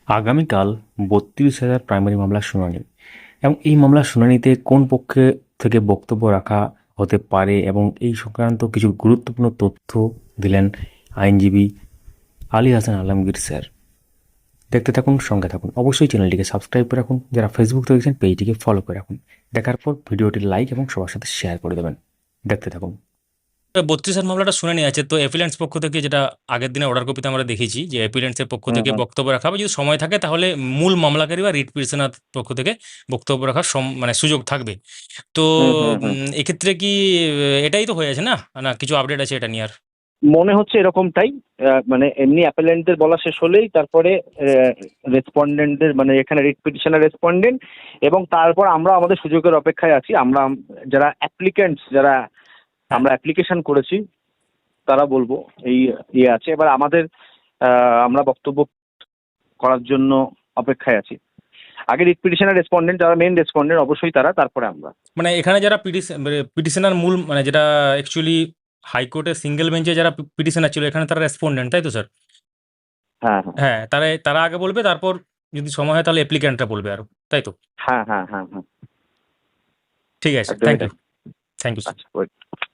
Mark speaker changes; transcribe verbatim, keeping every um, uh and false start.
Speaker 1: আগামীকাল বত্রিশ হাজার প্রাইমারি মামলার শুনানি এবং এই মামলার শুনানিতে কোন পক্ষে থেকে বক্তব্য রাখা হতে পারে এবং এই সংক্রান্ত কিছু গুরুত্বপূর্ণ তথ্য দিলেন আইনজীবী আলী হাসান আলমগীর স্যার। দেখতে থাকুন, সঙ্গে থাকুন, অবশ্যই চ্যানেলটিকে সাবস্ক্রাইব করে রাখুন, যারা ফেসবুক থেকে দেখছেন পেজটিকে ফলো করে রাখুন। দেখার পর ভিডিওটি লাইক এবং সবার সাথে শেয়ার করে দেবেন। দেখতে থাকুন।
Speaker 2: বত্রিশের মামলাটা শুনানি আছে, তো অ্যাপিলেন্টস পক্ষ থেকে যেটা আগের দিনে অর্ডার কপিতে আমরা দেখেছি যে অ্যাপিলেন্টসের পক্ষ
Speaker 3: হুম
Speaker 2: থেকে
Speaker 3: হুম
Speaker 2: বক্তব্য রাখা হবে, যদি সময় থাকে তাহলে মূল মামলাকারী বা রিট পিটিশনার পক্ষ থেকে বক্তব্য রাখার সম- মানে সুযোগ থাকবে। তো
Speaker 3: হুম হুম হুম
Speaker 2: উম, এক্ষেত্রে কি আহ, এটাই তো হয়ে আছে না না কিছু আপডেট আছে এটা নিয়ে আর?
Speaker 3: মনে হচ্ছে এরকমটাই। আহ, মানে এমনি অ্যাপেলেন্টদের বলা শেষ হলেই তারপরে রেসপন্ডেন্টদের, মানে এখানে রিট পিটিশনের রেসপন্ডেন্ট, এবং তারপর আমরা আমাদের সুযোগের অপেক্ষায় আছি। আমরা আম- যারা অ্যাপ্লিকেন্টস, যারা
Speaker 2: হ্যাঁ,
Speaker 3: আমরা অ্যাপ্লিকেশন করেছি তারা বলবো এই ইয়ে আছে। এবার আমাদের আহ, আমরা বক্তব্য করার জন্য অপেক্ষায় আছি। আগে রিট পিটিশনের রেসপন্ডেন্ট, যারা মেন রেসপন্ডেন্ট অবশ্যই তারা, তারপরে আমরা।
Speaker 2: মানে এখানে যারা পিটিশনার মূল মানে যেটা অ্যাকচুয়ালি হাইকোর্টের সিঙ্গেল বেঞ্চে যারা পিটিশনার ছিল এখানে তারা রেসপন্ডেন্ট, তাই তো স্যার?
Speaker 3: হ্যাঁ হ্যাঁ
Speaker 2: হ্যাঁ, তারা তারা আগে বলবে, তারপর যদি সময় হয় তাহলে অ্যাপ্লিক্যান্টরা বলবে আরো, তাই তো?
Speaker 3: হ্যাঁ হ্যাঁ হ্যাঁ হ্যাঁ
Speaker 2: ঠিক আছে,
Speaker 3: একদমই
Speaker 2: থ্যাংক ইউ।
Speaker 3: তাই।
Speaker 2: Thank you.
Speaker 3: আচ্ছা, ওয়েট।